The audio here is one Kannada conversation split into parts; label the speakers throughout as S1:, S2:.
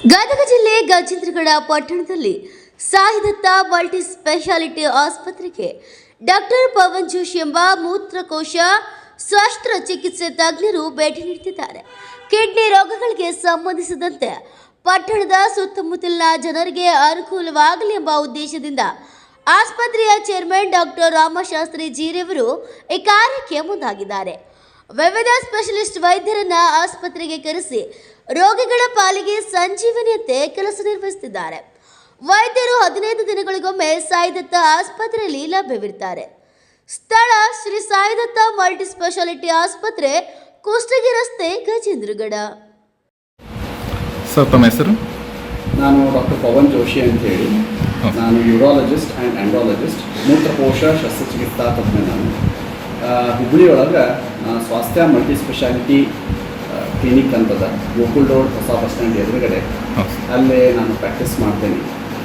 S1: ಗದಗ ಜಿಲ್ಲೆ ಗಜೇಂದ್ರಗಡ ಪಟ್ಟಣದಲ್ಲಿ ಸಾಯಿದತ್ತ ಮಲ್ಟಿ ಸ್ಪೆಷಾಲಿಟಿ ಆಸ್ಪತ್ರೆಗೆ ಡಾಕ್ಟರ್ ಪವನ್ ಜೋಶಿ ಎಂಬ ಮೂತ್ರಕೋಶ ಶಸ್ತ್ರಚಿಕಿತ್ಸೆ ತಜ್ಞರು ಭೇಟಿ ನೀಡುತ್ತಿದ್ದಾರೆ. ಕಿಡ್ನಿ ರೋಗಗಳಿಗೆ ಸಂಬಂಧಿಸಿದಂತೆ ಪಟ್ಟಣದ ಸುತ್ತಮುತ್ತಲಿನ ಜನರಿಗೆ ಅನುಕೂಲವಾಗಲಿ ಎಂಬ ಉದ್ದೇಶದಿಂದ ಆಸ್ಪತ್ರೆಯ ಚೇರ್ಮನ್ ಡಾಕ್ಟರ್ ರಾಮಶಾಸ್ತ್ರಿ ಜೀರವರು ಈ ಕಾರ್ಯಕ್ಕೆ ಮುಂದಾಗಿದ್ದಾರೆ. ವಿವಿಧ ಸ್ಪೆಷಲಿಸ್ಟ್ ವೈದ್ಯರನ್ನ ಆಸ್ಪತ್ರೆಗೆ ಕರೆಸಿ ರೋಗಿಗಳ ಪಾಲಿಗೆ ಸಂಜೀವನಿಯಂತೆ ಕೆಲಸ ನಿರ್ವಹಿಸುತ್ತಿದ್ದಾರೆ. ವೈದ್ಯರು 15 ದಿನಗಳಿಗೊಮ್ಮೆ ಸಾಯಿದತ್ತ ಆಸ್ಪತ್ರೆಯಲ್ಲಿ ಲಭ್ಯವಿರುತ್ತಾರೆ. ಸ್ಥಳ ಶ್ರೀ ಸಾಯಿದತ್ತ ಮಲ್ಟಿ ಸ್ಪೆಷಾಲಿಟಿ ಆಸ್ಪತ್ರೆ, ಕುಷ್ಟಗಿ ರಸ್ತೆ, ಗಜೇಂದ್ರಗಡ.
S2: ಸರ್, ತಮ್ಮ ಹೆಸರು?
S3: ನಾನು ಡಾಕ್ಟರ್ ಪವನ್ ಜೋಶಿ ಅಂತ ಹೇಳಿ. ನಾನು ಯೂರಾಲಜಿಸ್ಟ್ ಆ್ಯಂಡ್ ಆ್ಯಂಡ್ರಾಲಜಿಸ್ಟ್, ಮೂತ್ರಕೋಶ ಶಸ್ತ್ರಚಿಕಿತ್ಸಾ ತಜ್ಞ. ನಾನು ಹುಬ್ಬಳ್ಳಿಯೊಳಗೆ ಸ್ವಾಸ್ಥ್ಯ ಮಲ್ಟಿ ಸ್ಪೆಷಾಲಿಟಿ ಕ್ಲಿನಿಕ್ ಅಂತದ, ಗೋಕುಲ್ ರೋಡ್ ಹೊಸ ಬಸ್ ಸ್ಟ್ಯಾಂಡ್ ಎದುರುಗಡೆ. ಅಲ್ಲೇ ನಾನು ಪ್ರಾಕ್ಟೀಸ್ ಮಾಡ್ತೇನೆ.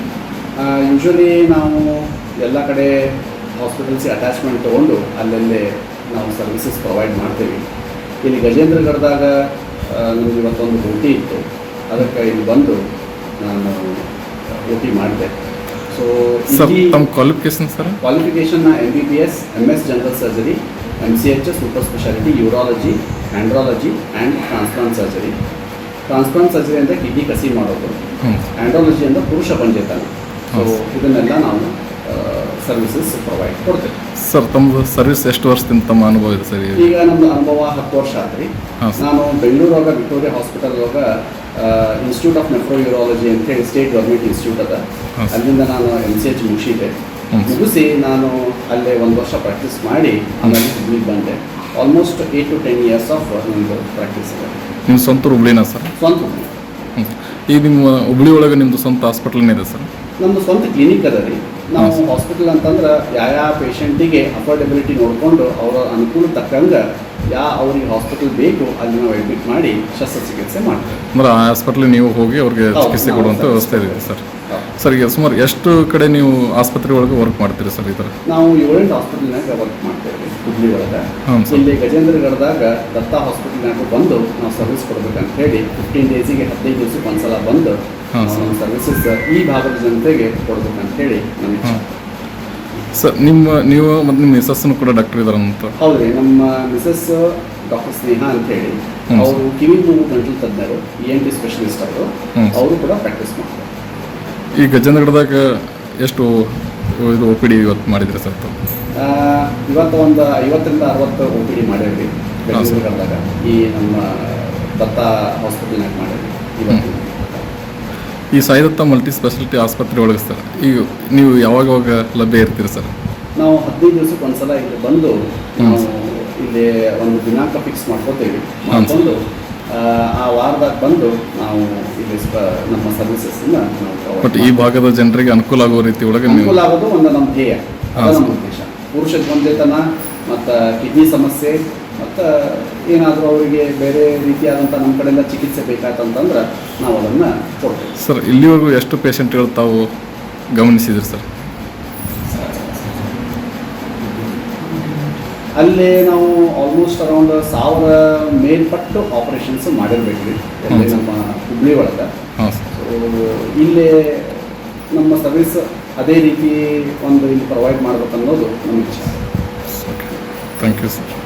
S3: ಯೂಶ್ವಲಿ ನಾವು ಎಲ್ಲ ಕಡೆ ಹಾಸ್ಪಿಟಲ್ಸಿಗೆ ಅಟ್ಯಾಚ್ಮೆಂಟ್ ತೊಗೊಂಡು ಅಲ್ಲಲ್ಲೇ ನಾವು ಸರ್ವಿಸಸ್ ಪ್ರೊವೈಡ್ ಮಾಡ್ತೇವೆ. ಇಲ್ಲಿ ಗಜೇಂದ್ರಗಡದಾಗ ನಮಗೆ ಇವತ್ತೊಂದು ಡ್ಯೂಟಿ ಇತ್ತು, ಅದಕ್ಕೆ ಇಲ್ಲಿ ಬಂದು ನಾನು ಡ್ಯೂಟಿ ಮಾಡಿದೆ. ಸೊ
S2: ತಮ್ಮ ಕ್ವಾಲಿಫಿಕೇಶನ್ ಸರ್?
S3: ಕ್ವಾಲಿಫಿಕೇಷನ್ನ MBBS, MS general surgery, MCH super speciality, urology, andrology and transplant surgery. Transplant surgery ಅಂದರೆ ಕಿಡ್ನಿ ಕಸಿ ಮಾಡೋದು, ಆ್ಯಂಡ್ರಾಲಜಿ ಅಂದರೆ ಪುರುಷ ಪಂಚೇತನ. ಸೊ ಇದನ್ನೆಲ್ಲ ನಾವು ಸರ್ವಿಸಸ್ ಪ್ರೊವೈಡ್ ಕೊಡ್ತೇವೆ.
S2: ಸರ್, ತಮ್ಮದು ಸರ್ವಿಸ್ ಎಷ್ಟು ವರ್ಷದಿಂದ ತಮ್ಮ ಅನುಭವ ಇದೆ ಸರ್?
S3: ಈಗ ನಮ್ಮದು ಅನುಭವ 10 ವರ್ಷ ಆತ್ರಿ. ನಾನು ಬೆಂಗಳೂರಾಗ ವಿಕ್ಟೋರಿಯಾ ಹಾಸ್ಪಿಟಲ್ ಒಳಗೆ ಇನ್ಸ್ಟಿಟ್ಯೂಟ್ ಆಫ್ ನೆಫ್ರೋ ಯೂರಾಲಜಿ ಅಂತೇಳಿ ಸ್ಟೇಟ್ ಗೌರ್ಮೆಂಟ್ ಇನ್ಸ್ಟಿಟ್ಯೂಟ್ ಅದ. ಅಲ್ಲಿಂದ ನಾನು MCH ಮುಗಿಸಿ ನಾನು ಅಲ್ಲೇ 1 ವರ್ಷ ಪ್ರಾಕ್ಟೀಸ್ ಮಾಡಿ ಆಮೇಲೆ ಹುಬ್ಳಿಗೆ ಬಂದೆ. ಆಲ್ಮೋಸ್ಟ್ 8 to 10 years ಆಫ್ ನಿಮ್ಮದು ಪ್ರಾಕ್ಟೀಸ್ ಇದೆ.
S2: ನಿಮ್ಮ ಸ್ವಂತ ಹುಬ್ಳಿನಾ ಸರ್?
S3: ಸ್ವಂತ ಹುಬ್ಳಿ.
S2: ಈಗ ನಿಮ್ಮ ಹುಬ್ಳಿ ಒಳಗೆ ನಿಮ್ಮದು ಸ್ವಂತ ಹಾಸ್ಪಿಟಲ್ನೇ ಇದೆ ಸರ್?
S3: ನಮ್ಮದು ಸ್ವಂತ ಕ್ಲಿನಿಕ್ ಅದ ರೀ. ನಾವು ಹಾಸ್ಪಿಟಲ್ ಅಂತಂದ್ರೆ ಯಾವ ಪೇಷಂಟಿಗೆ ಅಫೋರ್ಡೆಬಿಲಿಟಿ ನೋಡಿಕೊಂಡು ಅವರ ಅನುಕೂಲ ತಕ್ಕಂಗೆ ಅವ್ರಿಗೆ ಹಾಸ್ಪಿಟಲ್ ಬೇಕು ಅಲ್ಲಿ ನಾವು ಅಡ್ಮಿಟ್ ಮಾಡಿ ಶಸ್ತ್ರಚಿಕಿತ್ಸೆ ಮಾಡ್ತೀವಿ.
S2: ಅಂದ್ರೆ ಆ ಹಾಸ್ಪಿಟ್ಲಿಗೆ ನೀವು ಹೋಗಿ ಅವ್ರಿಗೆ ಚಿಕಿತ್ಸೆ ಕೊಡುವಂಥ ವ್ಯವಸ್ಥೆ ಇದೆ ಸರ್? ಸರ್, ಈಗ ಸುಮಾರು ಎಷ್ಟು ಕಡೆ ನೀವು ಆಸ್ಪತ್ರೆ ಒಳಗೆ ವರ್ಕ್ ಮಾಡ್ತೀರಿ ಸರ್? ಈ ಥರ
S3: ನಾವು 7-8 ಹಾಸ್ಪಿಟಲ್ನಾಗ ವರ್ಕ್ ಮಾಡ್ತೇವೆ ಹುಬ್ಳಿ ಒಳಗೆ. ಇಲ್ಲಿ ಗಜೇಂದ್ರಗಡದಾಗ ದತ್ತಾ ಹಾಸ್ಪಿಟಲ್ನಾಗ ಬಂದು ನಾವು ಸರ್ವಿಸ್ ಕೊಡ್ಬೇಕಂತ ಹೇಳಿ 15 ಡೇಸಿಗೆ 15 ದಿವಸಕ್ಕೆ ಒಂದ್ಸಲ ಬಂದು ಸರ್ವಿಸಸ್ ಈ ಭಾಗದ ಜನತೆಗೆ ಕೊಡ್ಬೇಕಂತ ಹೇಳಿ ನಮಗೆ.
S2: ಸರ್, ನೀವು ಮತ್ತು ನಿಮ್ಮ ಮಿಸಸ್ಸನ್ನು ಕೂಡ ಡಾಕ್ಟರ್ ಇದ್ದಾರೆ ಅಂತ?
S3: ಹೌದ್ರಿ, ನಮ್ಮ ಮಿಸಸ್ ಡಾಕ್ಟರ್ ಸ್ನೇಹ ಅಂತ ಹೇಳಿ, ಅವರು ಕಿವಿ ಮೂಗು ಗಂಟಲು ತಜ್ಞರು, ENT ಸ್ಪೆಷಲಿಸ್ಟ್ ಅವರು ಕೂಡ ಪ್ರಾಕ್ಟೀಸ್ ಮಾಡ್ತಾರೆ.
S2: ಈ ಗಜೇಂದ್ರಗಡದಾಗ ಎಷ್ಟು ಇದು OPD ಇವತ್ತು ಮಾಡಿದ್ರಿ ಸರ್?
S3: ಇವತ್ತು ಒಂದು 50ರಿಂದ 60 OPD ಮಾಡೇವ್ರಿ ಗಜೇಂದ್ರಗಡದಾಗ. ಈ ನಮ್ಮ ದತ್ತಾ ಹಾಸ್ಪಿಟಲ್ನಾಗ ಮಾಡೇವಿ ಇವತ್ತು.
S2: ಈ ಸಾಯಿದತ್ತ ಮಲ್ಟಿ ಸ್ಪೆಷಾಲಿಟಿ ಆಸ್ಪತ್ರೆ ಒಳಗೆ ಸರ್ ಈಗ ನೀವು ಯಾವಾಗ ಲಭ್ಯ ಇರ್ತೀರಿ ಸರ್?
S3: ನಾವು 15 ದಿವಸಕ್ಕೆ ಒಂದ್ಸಲ ಇಲ್ಲಿ ಬಂದು ನಾವು ಇಲ್ಲಿ ಒಂದು ದಿನಾಂಕ ಫಿಕ್ಸ್ ಮಾಡ್ಕೋತೇವೆ. ಮಾಡ್ಕೊಂಡು ಆ ವಾರದಾಗ ಬಂದು ನಾವು ಇಲ್ಲಿ ನಮ್ಮ ಸರ್ವಿಸಸ್ನ ನಾವು
S2: ಬಟ್ ಈ ಭಾಗದ ಜನರಿಗೆ ಅನುಕೂಲ ಆಗುವ ರೀತಿ ಒಳಗೆ
S3: ಅನುಕೂಲ ಆಗೋದು ಒಂದು ನಮ್ಮ ಧ್ಯೇಯ, ನಮ್ಮ ಉದ್ದೇಶ. ಪುರುಷ ಗೊಂದೆತನ ಮತ್ತು ಕಿಡ್ನಿ ಸಮಸ್ಯೆ ಮತ್ತು ಏನಾದರೂ ಅವರಿಗೆ ಬೇರೆ ರೀತಿಯಾದಂಥ ನಮ್ಮ ಕಡೆಯಿಂದ ಚಿಕಿತ್ಸೆ ಬೇಕಾಯ್ತಂತಂದ್ರೆ ನಾವು ಅದನ್ನು ಕೊಡ್ತೇವೆ.
S2: ಸರ್, ಇಲ್ಲಿವರೆಗೂ ಎಷ್ಟು ಪೇಷಂಟ್ಗಳು ತಾವು ಗಮನಿಸಿದ್ರಿ ಸರ್?
S3: ಅಲ್ಲೇ ನಾವು ಆಲ್ಮೋಸ್ಟ್ ಅರೌಂಡ್ 1000 ಮೇಲ್ಪಟ್ಟು ಆಪರೇಷನ್ಸ್ ಮಾಡಿರ್ಬೇಕ್ರಿ ಅಲ್ಲಿ ನಮ್ಮ ಹುಬ್ಳಿ ಒಳಗೆ. ಸೊ ಇಲ್ಲೇ ನಮ್ಮ ಸರ್ವಿಸ್ ಅದೇ ರೀತಿ ಒಂದು ಇಲ್ಲಿ ಪ್ರೊವೈಡ್ ಮಾಡ್ಬೇಕನ್ನೋದು ನಮ್ಮ ಇಚ್ಛೆ.
S2: Thank you sir.